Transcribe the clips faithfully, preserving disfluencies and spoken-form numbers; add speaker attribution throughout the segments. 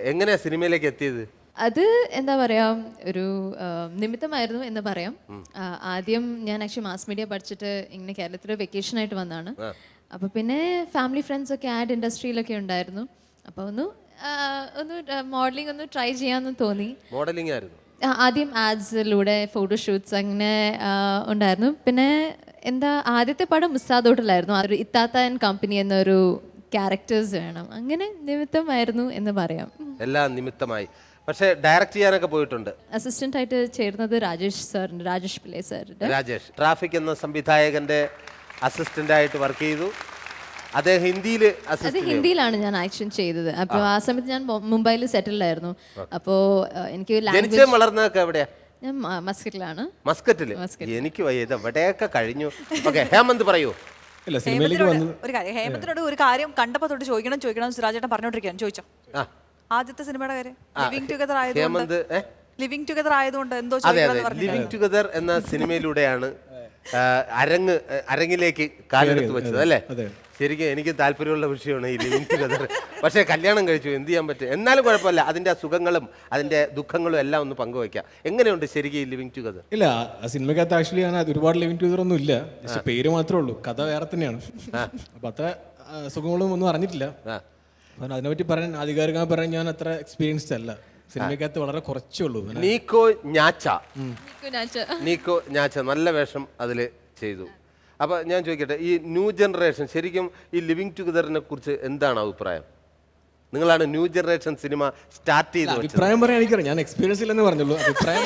Speaker 1: എങ്ങനെയാ സിനിമയിലേക്ക് എത്തിയത്?
Speaker 2: അത് എന്താ പറയാ ഒരു നിമിത്തമായിരുന്നു എന്ന് പറയാം. ആദ്യം ഞാൻ ആക്ച്വലി മാസ് മീഡിയ പഠിച്ചിട്ട് ഇങ്ങനെ കേരളത്തിൽ വെക്കേഷൻ ആയിട്ട് വന്നതാണ്. അപ്പോൾ പിന്നെ ഫാമിലി ഫ്രണ്ട്സ് ഒക്കെ ആഡ് ഇൻഡസ്ട്രിയിലൊക്കെ ഉണ്ടായിരുന്നു. അപ്പോൾ ഒന്ന് ഒന്ന് മോഡലിംഗ് ഒന്ന് ട്രൈ ചെയ്യാമെന്ന് തോന്നി.
Speaker 1: മോഡലിംഗ് ആയിരുന്നു
Speaker 2: ആദ്യം ആഡ്സിലൂടെ ഫോട്ടോഷൂട്ട്സ് അങ്ങനെ ഉണ്ടായിരുന്നു. പിന്നെ എന്താ ആദ്യത്തെ പടം മുസാദോട്ടിലായിരുന്നു. ഒരു ഇത്താത്ത ആൻഡ് കമ്പനി എന്നൊരു ക്യാരക്ടേഴ്സ് വേണം, അങ്ങനെ നിമിത്തമായിരുന്നു എന്ന് പറയാം.
Speaker 1: എല്ലാം നിമിത്തമായി. പക്ഷേ ഡയറക്റ്റ് ചെയ്യാനൊക്കെ പോയിട്ടുണ്ട്.
Speaker 2: അസിസ്റ്റന്റ് ആയിട്ട് ചേർന്നത് രാജേഷ് സാറിന്റെ, രാജേഷ് പിള്ളേ സാറിന്റെ.
Speaker 1: രാജേഷ് ട്രാഫിക് എന്ന സംവിധായകന്റെ അസിസ്റ്റന്റ് ആയിട്ട് വർക്ക് ചെയ്തു. അദ്ദേഹം ഹിന്ദിയിൽ
Speaker 2: അത് ഹിന്ദിയിലാണ് ഞാൻ ആക്ഷൻ ചെയ്തത്. അപ്പോൾ ആ സമയത്ത് ഞാൻ മുംബൈയിൽ സെറ്റിൽഡ് ആയിരുന്നു. അപ്പോൾ എനിക്ക്
Speaker 1: ജനിച്ചേ വളർന്നതൊക്കെ എവിടെയാ?
Speaker 2: ഞാൻ മസ്കറ്റിലാണ്.
Speaker 1: മസ്കറ്റില്? എനിക്ക് വയ്യ, ഇത് എവിടെയൊക്കെ കഴിഞ്ഞു. ഓക്കെ, ഹേമന്ത് പറയൂ.
Speaker 3: ഇല്ല, സിനിമയിലേക്ക് വന്നു.
Speaker 4: ഒരു കാര്യം ഹേമന്തിനോട് ഒരു കാര്യം കണ്ടപ്പോ തൊട്ട് ചോദിക്കണം ചോദിക്കണം സുരാജേട്ടൻ പറഞ്ഞോണ്ടിരിക്കാൻ ചോദിച്ചോ. ആദ്യത്തെ സിനിമയുടെ കാര്യം ലിവിംഗ് ടുഗദർ ആയതുകൊണ്ട് ലിവിംഗ് ടുഗദർ ആയതുകൊണ്ട് എന്തോ
Speaker 1: ലിവിംഗ് ടുഗദർ എന്ന സിനിമയിലൂടെയാണ് അരങ്ങ് അരങ്ങിലേക്ക് കാലെടുത്ത് വെച്ചത് അല്ലേ? ശരിക്കും എനിക്ക് താല്പര്യമുള്ള വിഷയമാണ് ഈ ലിവിംഗ് ടുഗദർ. പക്ഷേ കല്യാണം കഴിച്ചു, എന്ത് ചെയ്യാൻ പറ്റും? എന്നാലും കുഴപ്പമില്ല, അതിന്റെ സുഖങ്ങളും അതിന്റെ ദുഃഖങ്ങളും എല്ലാം ഒന്ന് പങ്കുവയ്ക്കാം. എങ്ങനെയുണ്ട് ശരിക്കും ഈ ലിവിംഗ് ടുഗദർ?
Speaker 3: ഇല്ല, സിനിമക്കകത്ത് ആക്ച്വലി ഞാൻ ഒരുപാട് ലിവിംഗ് ടുഗദർ ഒന്നും ഇല്ല, പക്ഷെ പേര് മാത്രമേ ഉള്ളൂ, കഥ വേറെ തന്നെയാണ്. അപ്പൊ അത്ര സുഖങ്ങളും ഒന്നും അറിഞ്ഞിട്ടില്ല. അതിനെപ്പറ്റി പറയാൻ ആധികാരികമായി പറയാൻ ഞാൻ അത്ര എക്സ്പീരിയൻസ്ഡ് അല്ല. സിനിമക്കകത്ത് വളരെ കുറച്ചേ ഉള്ളൂ.
Speaker 1: നീക്കോ ഞാച്ച നീക്കോ ഞാച്ച നല്ല വേഷം അതിൽ ചെയ്തു. അപ്പോൾ ഞാൻ ചോദിക്കട്ടെ, ഈ ന്യൂ ജനറേഷൻ ശരിക്കും ഈ ലിവിംഗ് ടുഗദറിനെ കുറിച്ച് എന്താണ് അഭിപ്രായം? നിങ്ങളാണ് ന്യൂ ജനറേഷൻ സിനിമ സ്റ്റാർട്ട് ചെയ്ത്.
Speaker 3: അഭിപ്രായം പറയാൻ എനിക്കറിയാം, ഞാൻ എക്സ്പീരിയൻസ് ഇല്ലെന്ന് പറഞ്ഞുള്ളൂ. അഭിപ്രായം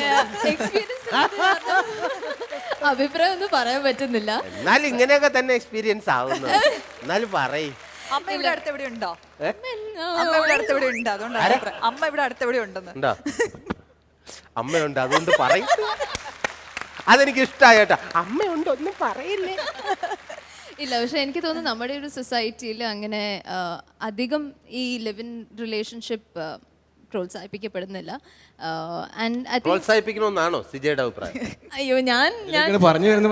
Speaker 2: അഭിപ്രായം ഒന്നും പറയാൻ പറ്റുന്നില്ല.
Speaker 1: എന്നാലും ഇങ്ങനെയൊക്കെ തന്നെ എക്സ്പീരിയൻസ് ആവുന്നു. എന്നാലും പറയും.
Speaker 4: അമ്മ ഇവിടെ അടുത്ത് എവിടെ ഉണ്ടോ? അമ്മ ഇവിടെ അടുത്ത് എവിടെ ഉണ്ട്? അതുകൊണ്ട് അമ്മ ഇവിടെ അടുത്ത് എവിടെ ഉണ്ടെന്ന്.
Speaker 1: അമ്മയുണ്ട്, അതുകൊണ്ട് പറയും. അതെനിക്ക് ഇഷ്ടമായി കേട്ടോ. അമ്മയുണ്ട്, ഒന്നും പറയില്ലേ.
Speaker 2: ഇല്ല, പക്ഷെ എനിക്ക് തോന്നുന്നു നമ്മുടെ ഒരു സൊസൈറ്റിയിൽ അങ്ങനെ അധികം ഈ ലിവ് ഇൻ റിലേഷൻഷിപ്പ് പ്രോത്സാഹിപ്പിക്കപ്പെടുന്നില്ല.
Speaker 1: പ്രോത്സാഹിപ്പിക്കണമെന്നാണോ സിജയുടെ അഭിപ്രായം?
Speaker 2: അയ്യോ, ഞാൻ
Speaker 3: പറഞ്ഞു വരുന്നത്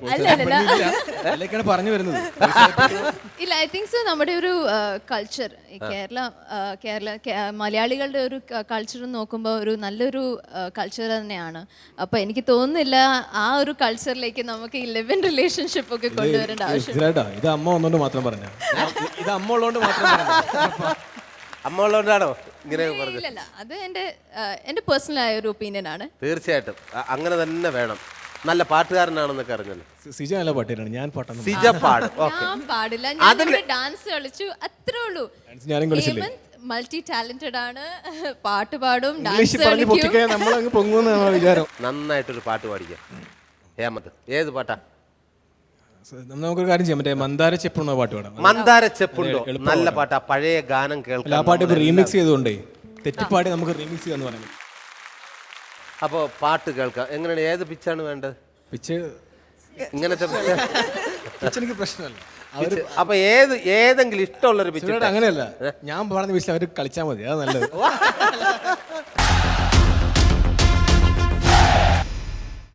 Speaker 3: പറഞ്ഞു വരുന്നത്
Speaker 2: ഇല്ല, ഐ തിങ്ക് സോ നമ്മുടെ ഒരു കൾച്ചർ, കേരള കേരള മലയാളികളുടെ ഒരു കൾച്ചർ നോക്കുമ്പോൾ ഒരു നല്ലൊരു കൾച്ചർ തന്നെയാണ്. അപ്പോൾ എനിക്ക് തോന്നുന്നില്ല ആ ഒരു കൾച്ചറിലേക്ക് നമുക്ക് ഈ ലിവ് ഇൻ റിലേഷൻഷിപ്പ് ഒക്കെ കൊണ്ടുവരേണ്ട ആവശ്യം.
Speaker 3: ഇത് അമ്മ വന്നോണ്ട് മാത്രം പറഞ്ഞ ഇത് അമ്മ ഉള്ളതുകൊണ്ട് മാത്രം പറഞ്ഞ
Speaker 1: അമ്മ ഉള്ളതുകൊണ്ടാണോ ഇങ്ങനെ പറഞ്ഞത്?
Speaker 2: ഇല്ല, അത് എൻ്റെ എൻ്റെ പേഴ്സണൽ ആയ ഒരു ഒപ്പീനിയൻ ആണ്.
Speaker 1: തീർച്ചയായിട്ടും അങ്ങനെ തന്നെ വേണം. നല്ല പാട്ടുകാരനാണെന്നൊക്കെ അറിഞ്ഞല്ലോ.
Speaker 3: സിജ നല്ല പാട്ടുകാരാണ്, ഞാൻ പാട്ടാണ്.
Speaker 1: സിജ പാട്.
Speaker 2: ഞാൻ പാടില്ല, ഞാൻ ഡാൻസ് കളിച്ചു, അത്രേ ഉള്ളൂ. മൾട്ടി ടാലന്റഡ് ആണ്, പാട്ട് പാടും, ഡാൻസ്
Speaker 1: കളിക്കും. നന്നായിട്ടൊരു പാട്ട് പാടിക്കാം ഹേമന്ത്. ഏത് പാട്ടാ?
Speaker 3: നമുക്കൊരു കാര്യം ചെയ്യാം, മറ്റേ മന്ദാര ചെപ്പുണ്ടോ പാട്ട് പാടാം.
Speaker 1: മന്ദാര ചെപ്പുണ്ടോ നല്ല പാട്ടാ, പഴയ ഗാനം കേൾക്കാം.
Speaker 3: ആ പാട്ട് റീമിക്സ് ചെയ്തുകൊണ്ടേ തെറ്റിപ്പാടി നമുക്ക് റീമിക്സ് ചെയ്യാന്ന് പറയാം.
Speaker 1: അപ്പോ പാട്ട് കേൾക്കാം. എങ്ങനെയാണ്, ഏത് പിച്ചാണ് വേണ്ടത്?
Speaker 3: പിച്ച്
Speaker 1: ഇങ്ങനത്തെ
Speaker 3: പിച്ച് എനിക്ക് പ്രശ്നമല്ല.
Speaker 1: അപ്പൊ ഏത് ഏതെങ്കിലും ഇഷ്ടമുള്ളൊരു പിച്ച്?
Speaker 3: അങ്ങനെയല്ല, ഞാൻ പറഞ്ഞ പിച്ചിൽ അവർ കളിച്ചാൽ മതി, അത് നല്ലത്.